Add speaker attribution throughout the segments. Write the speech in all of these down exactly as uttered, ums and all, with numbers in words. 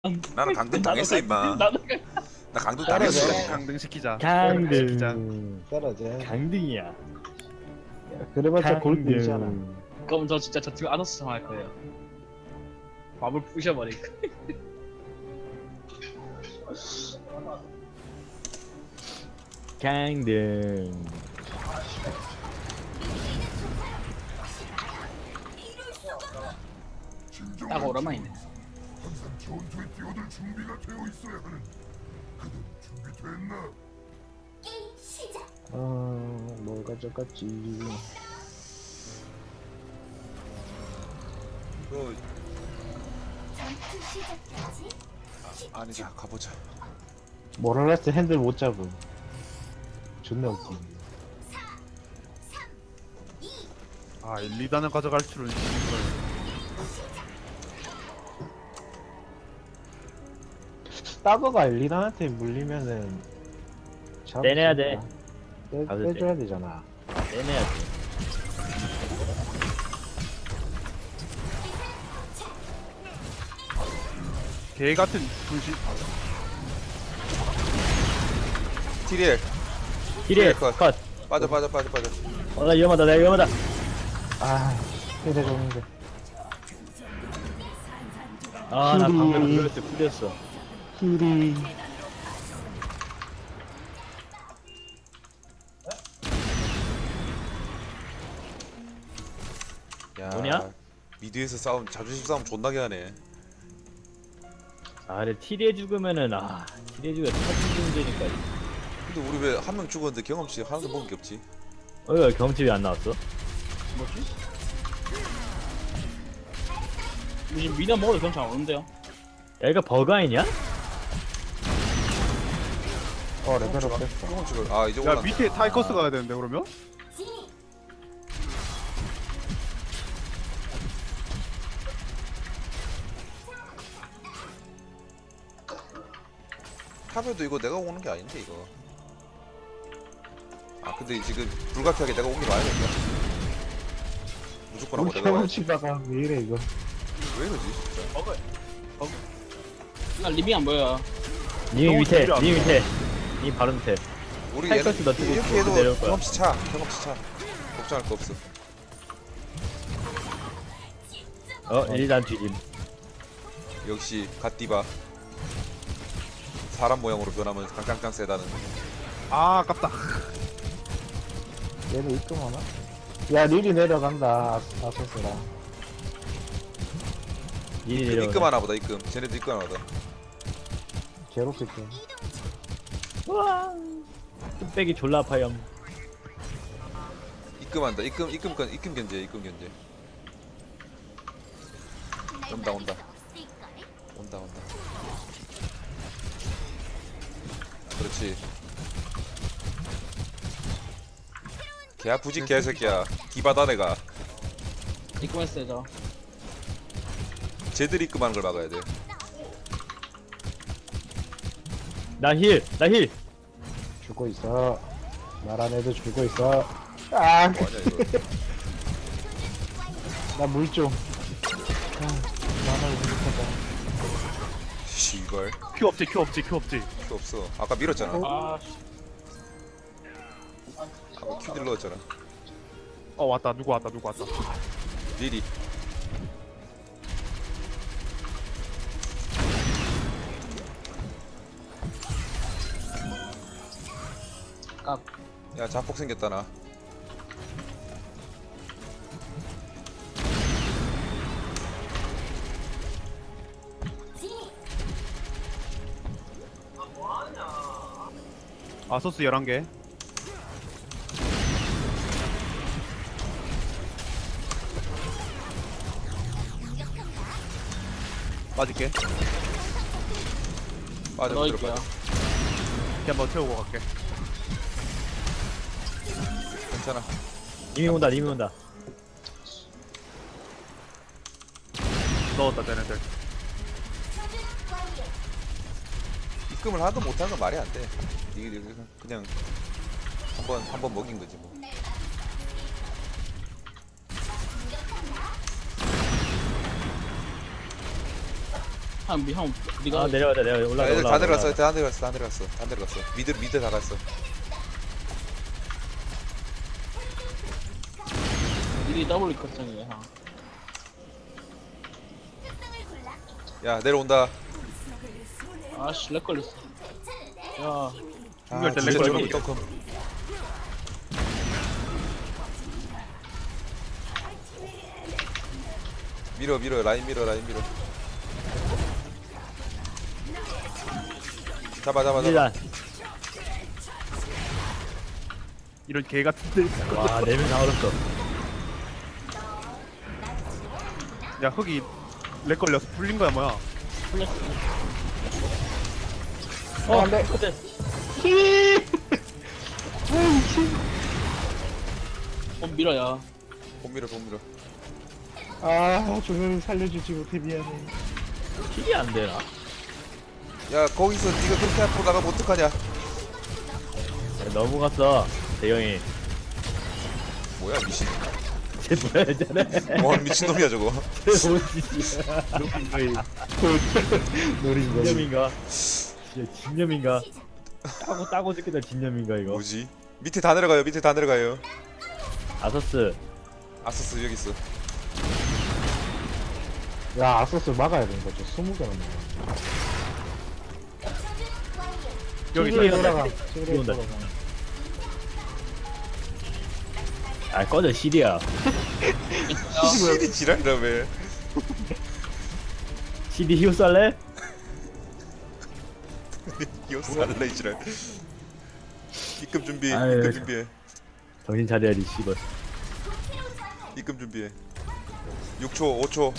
Speaker 1: 나는 강등 당했어 임마.
Speaker 2: 나도
Speaker 1: 나 강등
Speaker 3: 떨어져.
Speaker 1: 당했어.
Speaker 3: 강등시키자.
Speaker 4: 강등
Speaker 3: 떨어져.
Speaker 4: 강등이야.
Speaker 3: 그래봤자 골프이잖아.
Speaker 2: 그럼 저 진짜 저 지금 아노스 할 거예요. 밥을 부셔버릴 거.
Speaker 4: 강등.
Speaker 2: 딱 오랜만이네.
Speaker 5: 전투에 뛰어들 준비가 되어 있어야 하는 그들 준비됐나?
Speaker 3: 어, 뭘 가져갔지?
Speaker 1: 이거 아, 아니지 가보자.
Speaker 3: 모랄라스 핸들 못 잡음. 존나 웃기.
Speaker 6: 아, 일, 이 단을 가져갈 줄은 이걸.
Speaker 3: 따거가 엘리단한테 물리면은 잡을
Speaker 4: 떼내야
Speaker 3: 수
Speaker 4: 돼.
Speaker 3: 있다. 떼,
Speaker 4: 가도 돼.
Speaker 3: 떼줘야 되잖아.
Speaker 4: 빼내야 돼.
Speaker 6: 개 같은 분신.
Speaker 1: 티리엘
Speaker 4: 힐에
Speaker 1: 컷.
Speaker 4: 컷.
Speaker 1: 빠져 빠져 빠져 빠져.
Speaker 4: 어, 나 위험하다. 나 위험하다.
Speaker 3: 아, 해대 줬는데.
Speaker 4: 아, 나 방금
Speaker 3: 힐이.
Speaker 4: 풀렸어. 풀렸어.
Speaker 3: 힐이.
Speaker 1: 야,
Speaker 4: 뭐냐?
Speaker 1: 미드에서 싸움 자존심 싸움 존나게 하네.
Speaker 4: 아, 근데 티리에 죽으면은 아, 티리에 죽으면 터진 문제니까.
Speaker 1: 근데 우리 왜 한 명 죽었는데 경험치 하나도 먹은 게 없지?
Speaker 4: 어, 이거 경험치 왜 안 나왔어?
Speaker 2: 뭐지? 지금 미나 먹어도 괜찮아 오는데요?
Speaker 4: 야, 이거 버그 아니냐?
Speaker 3: 어, 레벨업 됐어.
Speaker 1: 경험치를 아 이제
Speaker 6: 야,
Speaker 1: 올라.
Speaker 6: 밑에 타이커스 가야 되는데, 그러면?
Speaker 1: 탑에도 이거 내가 오는 게 아닌데 이거. 아 근데 지금 불가피하게 내가 오기 와야겠다. 무조건 하고
Speaker 3: 우리
Speaker 1: 내가 와야지.
Speaker 3: 경험치다가 왜 이래 이거?
Speaker 1: 왜 이러지 진짜?
Speaker 2: 먹어. 먹어. 나 리빙 안 보여.
Speaker 4: 님
Speaker 6: 너무
Speaker 4: 밑에,
Speaker 6: 재미가 안
Speaker 4: 님
Speaker 6: 나와.
Speaker 4: 밑에. 님 바로 밑에.
Speaker 1: 우리
Speaker 4: 타이커스
Speaker 1: 얘는
Speaker 4: 너 뜨고
Speaker 1: 이렇게
Speaker 4: 내려올
Speaker 1: 해도
Speaker 4: 거야.
Speaker 1: 경험치 차 경험치 차 걱정할 거 없어.
Speaker 4: 어, 일단 뒤짐.
Speaker 1: 역시 갓디바 사람 모양으로 변하면 깡깡깡 세다는.
Speaker 6: 아, 아깝다.
Speaker 3: 얘도 입금하나? 야, 릴이 내려간다. 아- 아소스랑.
Speaker 4: 일이
Speaker 1: 입금,
Speaker 4: 내려오네.
Speaker 1: 입금하나 보다 입금. 쟤네도 입금하나 보다.
Speaker 3: 제로스 입금.
Speaker 4: 우와. 뚝배기 졸라 아파요.
Speaker 1: 입금한다. 입금 입금 건 입금 견제 입금 견제. 온다 온다 온다 온다. 그렇지. 개 아프지 개새끼야. 기바다 내가.
Speaker 2: 입금했어요 저.
Speaker 1: 쟤들 입금하는 걸 막아야 돼.
Speaker 4: 나 힐, 나 힐.
Speaker 3: 죽고 있어. 나란 애도 죽고 있어. 아,
Speaker 1: 뭐하냐 이거.
Speaker 3: 나 물 좀. 아, 나만 부족하다.
Speaker 1: 씨발
Speaker 6: 큐 없지, 큐 없지, 큐 없지.
Speaker 1: 큐 없어. 아까 밀었잖아.
Speaker 2: 아 씨.
Speaker 1: 아까 큐 딜러였잖아.
Speaker 6: 어, 왔다. 누구 왔다, 누구 왔다.
Speaker 1: 리리.
Speaker 2: 깍.
Speaker 1: 야 자폭 생겼다 나.
Speaker 6: 아소스 열한 개. 빠질게.
Speaker 1: 빠져 들어
Speaker 2: 넣을게요.
Speaker 1: 빠져.
Speaker 6: 이렇게 한번 태우고 갈게.
Speaker 1: 괜찮아.
Speaker 4: 님이 온다, 님이 온다.
Speaker 6: 넣었다, 쟤네들.
Speaker 1: 입금을 하든 못하는 건 말이 안 돼. 이게 그냥 한번 한 번 먹인 거지 뭐.
Speaker 2: 형, 미- 형, 네가
Speaker 4: 아 내려가자 내려
Speaker 1: 야,
Speaker 4: 올라가
Speaker 1: 애들
Speaker 4: 올라가
Speaker 1: 다 내려갔어 다 내려갔어 다 내려갔어 다 내려갔어 미드 미드 다 갔어.
Speaker 2: 미리 더블 걱정이야. 형.
Speaker 1: 야 내려온다.
Speaker 2: 아씨, 렉 걸렸어. 야,
Speaker 6: 중요할 때
Speaker 1: 진짜
Speaker 6: 렉
Speaker 1: 저놈이
Speaker 6: 걸리기.
Speaker 1: 떡금. 밀어 밀어 라인 밀어 라인 밀어. 잡아 잡아 잡아.
Speaker 4: 일단
Speaker 6: 이런 개 같은데.
Speaker 4: 와네 명 다 얼었어.
Speaker 6: 야 흙이 렉 걸려서 풀린 거야 뭐야?
Speaker 2: 풀렸어.
Speaker 4: 어 안돼. 그때
Speaker 2: 어, 밀어야.
Speaker 1: 본 밀어 본 밀어.
Speaker 3: 아 조명이 살려주지 못해 미안해.
Speaker 4: 킬이 안 되나?
Speaker 1: 야 거기서 네가 그렇게 앞으로 나가면 어떡하냐.
Speaker 4: 야, 넘어갔어 대경이.
Speaker 1: 뭐야 미친.
Speaker 4: 쟤 뭐야 쟤네.
Speaker 1: 와 미친놈이야 저거.
Speaker 4: 쟤 뭐지?
Speaker 3: 노린 거지.
Speaker 4: 진념인가? 진짜 진념인가? 따고 따고 죽겠다 진념인가 이거?
Speaker 1: 뭐지? 밑에 다 내려가요 밑에 다 내려가요.
Speaker 4: 아서스
Speaker 1: 아서스 여기 있어.
Speaker 3: 야 아서스 막아야 되는 거죠. 스무 개나 먹어.
Speaker 6: 여기
Speaker 3: 시리에
Speaker 6: 있다.
Speaker 3: 돌아가.
Speaker 4: 비
Speaker 3: 시리에
Speaker 4: 온다.
Speaker 3: 돌아가.
Speaker 4: 아 꺼져 시리야.
Speaker 1: 시리 지랄이라며.
Speaker 4: 시리 히오 쌀래?
Speaker 1: 이거 살래 이 지랄. 입금 준비
Speaker 4: 아유.
Speaker 1: 입금 준비해.
Speaker 4: 정신 차려야지 씨발.
Speaker 1: 입금 준비해. 육 초 오 초.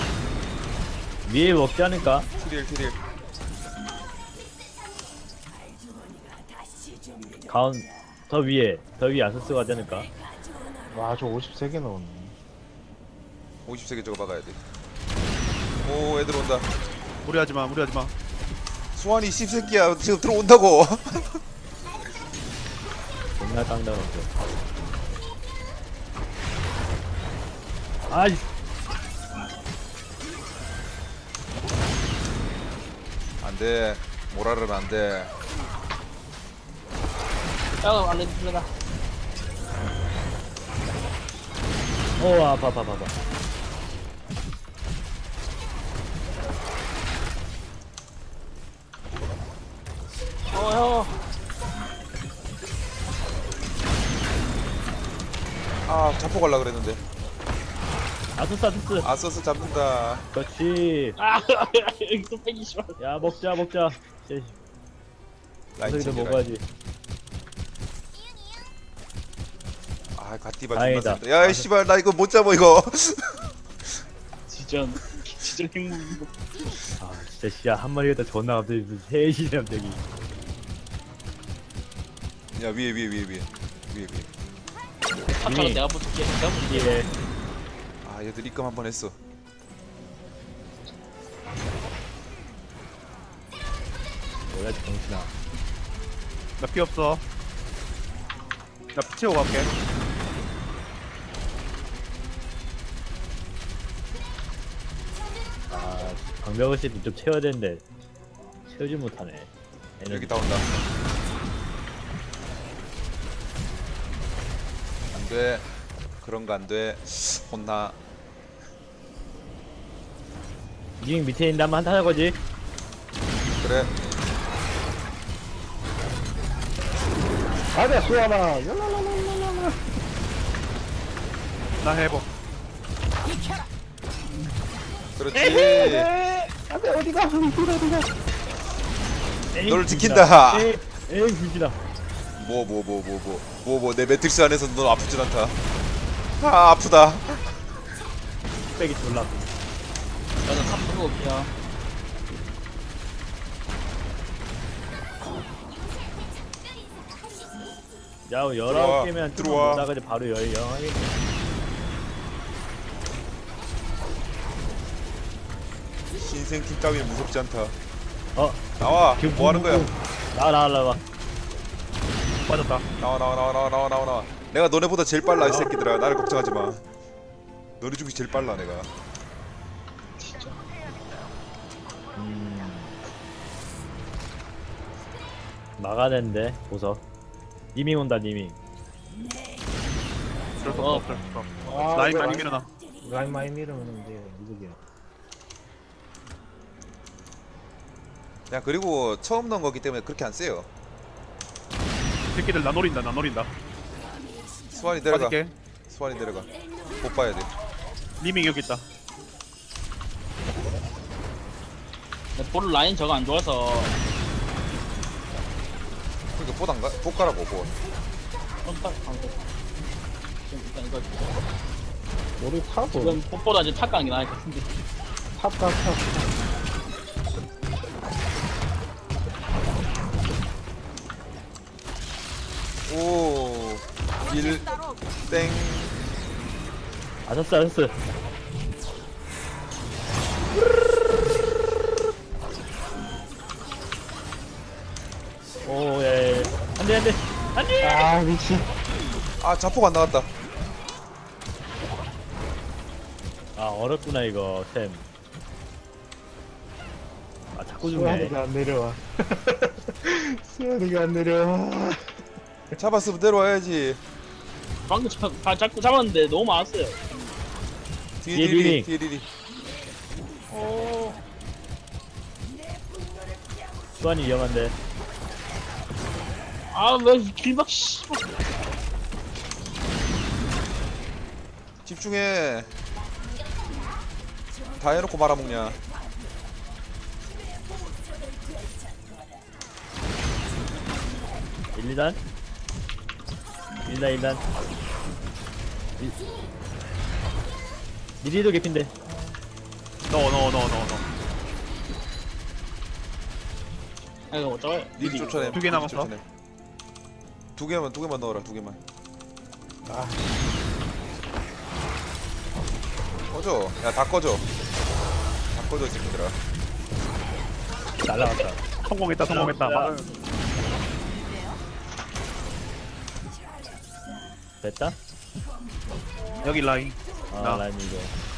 Speaker 4: 위에 먹지 않을까?
Speaker 1: 티릴 티릴.
Speaker 4: 가운 더 위에 더 위에 아서스 가지 않을까?
Speaker 3: 와저 오십세 개 넣었네.
Speaker 1: 오십 개 저거 박아야 돼. 오 애들 온다.
Speaker 6: 무리하지 마 무리하지 마.
Speaker 1: 수환이 씹새끼야 지금 들어온다고.
Speaker 4: 존나 깡당없어. 아이
Speaker 1: 안돼. 모라르는 안돼.
Speaker 2: 야, 안 돼, 풀려라.
Speaker 4: 어 아파 아파 아파.
Speaker 2: 어, 형.
Speaker 1: 아 잡고 갈라 그랬는데.
Speaker 4: 아서스 아서스.
Speaker 1: 아서스 잡는다.
Speaker 4: 그렇지.
Speaker 2: 아, 여기 또 빼기 싫어.
Speaker 4: 야 먹자 먹자.
Speaker 1: 라인
Speaker 4: 아서스도
Speaker 1: 챙겨. 라인.
Speaker 4: 먹어야지.
Speaker 1: 아 갓디바
Speaker 4: 다행이다.
Speaker 1: 존나 야 씨발 나 이거 못 잡아 이거.
Speaker 2: 진짜, 진짜 행복.
Speaker 4: 아 진짜 씨야 한 마리가 존나 갑자기 무슨 셋이냐 갑자기.
Speaker 1: 야 위에 위에 위에 위에 위에 위에.
Speaker 2: 탑차가 내가 붙을게. 내가 붙을게.
Speaker 4: 예.
Speaker 1: 아 얘들 입금 한 번 했어.
Speaker 4: 뭐야 정신아.
Speaker 6: 나 피 없어. 나 피 채우고 갈게.
Speaker 4: 아 방벽을 씨좀 채워야 되는데 채우지 못하네. 에너지.
Speaker 1: 여기 다 온다. 안돼. 그런 거 안돼. 혼나.
Speaker 4: 니 밑에 있는데 한번 한타 할 거지?
Speaker 1: 그래.
Speaker 3: 가자 수아나. 랄랄랄랄랄라.
Speaker 6: 나 해보.
Speaker 1: 그렇지.
Speaker 3: 안돼 어디가 어디가 어디가.
Speaker 4: 에이,
Speaker 1: 너를
Speaker 4: 불기다.
Speaker 1: 지킨다.
Speaker 4: 에이 에이 불기다.
Speaker 1: 뭐 뭐 뭐 뭐 뭐 뭐 뭐 내 매트릭스 안에서 넌 아프진 않다. 아 아프다.
Speaker 4: 뚝배기 졸라.
Speaker 2: 나도 탑 보고 올게요.
Speaker 4: 야
Speaker 1: 들어와,
Speaker 4: 열아홉 개면
Speaker 1: 들어와.
Speaker 4: 나가지 바로 열 영하게.
Speaker 1: 신생 팀 따위는 무섭지 않다.
Speaker 4: 어
Speaker 1: 나와.
Speaker 4: 지금
Speaker 1: 뭐 하는 거야?
Speaker 4: 나와 나와 나와.
Speaker 6: 빠졌다.
Speaker 1: 나와 나와 나와 나와 나와 나와 나와. 내가 너네보다 제일 빨라 이 새끼들아. 나를 걱정하지 마. 너네 중에 제일 빨라 내가.
Speaker 2: 진짜.
Speaker 4: 음 막아야 되는데 보석. 니밍 온다 니밍.
Speaker 6: 어쩔 수 없어 어쩔 수 없어.
Speaker 3: 아,
Speaker 6: 라인
Speaker 3: 이거
Speaker 6: 많이
Speaker 3: 라인-
Speaker 6: 밀어놔.
Speaker 3: 라인 많이 밀으면 이제 이득이야.
Speaker 1: 그냥 그리고 처음 넣은 거기 때문에 그렇게 안 세요.
Speaker 6: 새끼들 나 노린다 나 노린다.
Speaker 1: 수환이 내려가.
Speaker 6: 빠질게.
Speaker 1: 수환이 내려가. 못 봐야 돼.
Speaker 6: 리밍 여기 있다.
Speaker 2: 볼 라인 저거 안 좋아서
Speaker 1: 그러니까 보단가 보가라고 보.
Speaker 2: 깜빡 안 돼. 지금 일단 이거
Speaker 3: 우리 탑은
Speaker 2: 지금 pot보다 이제 탑 가는 게 나을 것 같은데.
Speaker 3: 탑과 탑.
Speaker 1: 오. 일 땡.
Speaker 4: 아저스 아저스. 오예. 안돼 안돼 안돼.
Speaker 3: 아 미친.
Speaker 1: 아 자폭 안 나갔다.
Speaker 4: 아 어렵구나 이거 템. 아 자꾸 죽네.
Speaker 3: 수환이가 안 내려와. 수환이가 안 내려와.
Speaker 1: 잡았으면 내려와야지.
Speaker 2: 방금 자, 다 잡고 잡았는데 너무 많았어요.
Speaker 1: 뒤에
Speaker 4: 뒤에
Speaker 1: 리리
Speaker 4: 리리.
Speaker 1: 뒤에 리리.
Speaker 2: 오.
Speaker 4: 수완이 위험한데.
Speaker 2: 아왜 길막 씨.
Speaker 1: 집중해. 다 해놓고 말아먹냐.
Speaker 4: 일, 이단 일 단 일 단 미리도 개핀데.
Speaker 6: 넣어 넣어 넣어 넣어 넣어.
Speaker 2: 아 이거 어쩌요?
Speaker 1: 리리 쫓아내.
Speaker 6: 두개 남았어?
Speaker 1: 쫓아내. 두 개만 두 개만 넣어라. 두 개만.
Speaker 3: 아
Speaker 1: 꺼져. 야 다 꺼져. 다 꺼져 이 새끼들아.
Speaker 4: 날라갔다.
Speaker 6: 성공했다 성공했다. 막-
Speaker 4: 됐다?
Speaker 6: 여기 라인.
Speaker 4: 아
Speaker 6: 나.
Speaker 4: 라인 이거.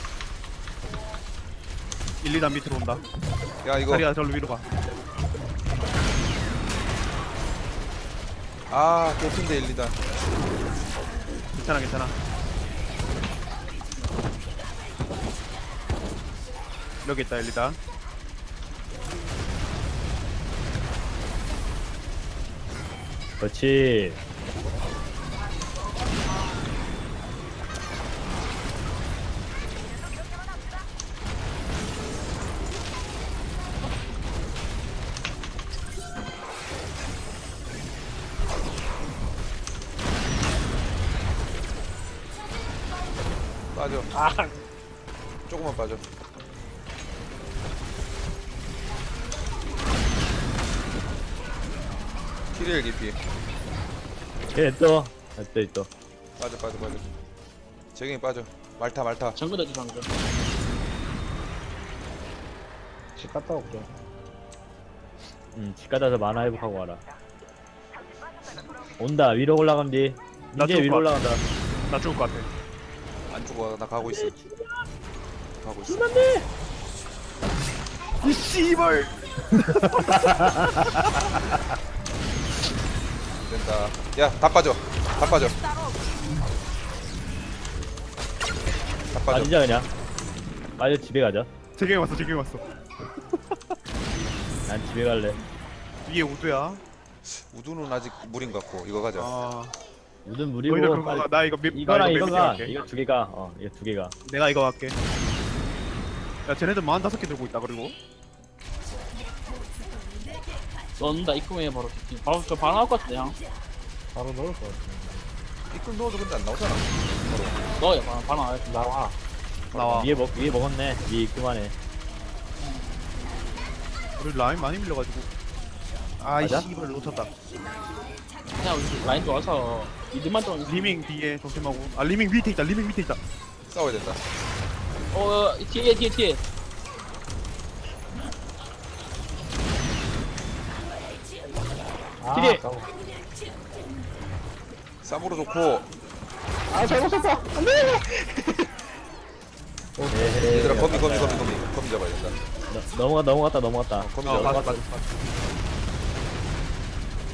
Speaker 6: 일, 이단 밑으로 온다.
Speaker 1: 야 이거.
Speaker 6: 자리야 절로 위로 가.
Speaker 1: 아 개핀데 일, 이단.
Speaker 6: 괜찮아 괜찮아. 여기 있다 일, 이단.
Speaker 4: 그렇지.
Speaker 1: 빠져.
Speaker 2: 아
Speaker 1: 조금만 빠져. 키리엘 깊이.
Speaker 4: 걔 또. 또 있어.
Speaker 1: 빠져 빠져 빠져. 재경이 빠져. 말타 말타.
Speaker 2: 정글에도 방금.
Speaker 3: 집 갔다 올게.
Speaker 4: 응, 집 가다서 만화 회복하고 와라. 온다. 위로 올라간 뒤.
Speaker 6: 나
Speaker 4: 이제
Speaker 6: 죽을
Speaker 4: 위로
Speaker 6: 것
Speaker 4: 올라간다.
Speaker 6: 나 죽을 것 같아.
Speaker 1: 안 죽어. 나 가고 있어. 가고 있어.
Speaker 6: 이 씨발.
Speaker 1: 안 된다. 야 다 빠져. 다 빠져. 다 빠져.
Speaker 4: 빠지자 그냥. 빠져 집에 가자.
Speaker 6: 재경이 왔어 재경이 왔어.
Speaker 4: 난 집에 갈래.
Speaker 6: 위에 우두야.
Speaker 1: 우두는 아직 무린 것 같고 이거 가자.
Speaker 6: 아.
Speaker 4: 무슨 무리고.
Speaker 6: 너희들 그거
Speaker 4: 빨리-
Speaker 6: 가. 나 이거 미,
Speaker 4: 이거랑
Speaker 6: 나
Speaker 4: 이거
Speaker 6: 맨 밑에
Speaker 4: 가.
Speaker 6: 갈게.
Speaker 4: 이거 두 개가. 어, 이거 두 개가.
Speaker 6: 내가 이거 할게. 야 쟤네들 마흔다섯 개 들고 있다 그리고.
Speaker 2: 넣는다 입구에 바로. 바로 저 바로 나올 것 같은데 형.
Speaker 3: 바로 넣을 것 같아.
Speaker 1: 이끌 넣어도 근데 안 나오잖아.
Speaker 2: 넣어요 바로 바로 나와요.
Speaker 3: 나와.
Speaker 6: 나와.
Speaker 4: 위에 먹 위에 먹었네. 위에 있구만해.
Speaker 6: 우리 라인 많이 밀려가지고. 아이
Speaker 4: 맞아?
Speaker 6: 씨발 놓쳤다.
Speaker 2: 그냥 우리 라인 좋아서 이들만 좀.
Speaker 6: 리밍 뒤에 조심하고. 아 리밍 밑에 있다. 리밍 밑에 있다.
Speaker 1: 싸워야 된다.
Speaker 2: 어 뒤에 뒤에 뒤에.
Speaker 3: 아,
Speaker 4: 기대.
Speaker 3: 아까워.
Speaker 1: 쌈으로 좋고.
Speaker 3: 아 잘못 썼어. 안돼.
Speaker 4: 에헤이.
Speaker 1: 얘들아 거미 거미 거미 거미 거미 잡아야 된다.
Speaker 4: 너- 넘어가 넘어갔다 넘어갔다.
Speaker 1: 거미
Speaker 6: 어
Speaker 1: 잡아.
Speaker 6: 맞아 맞아.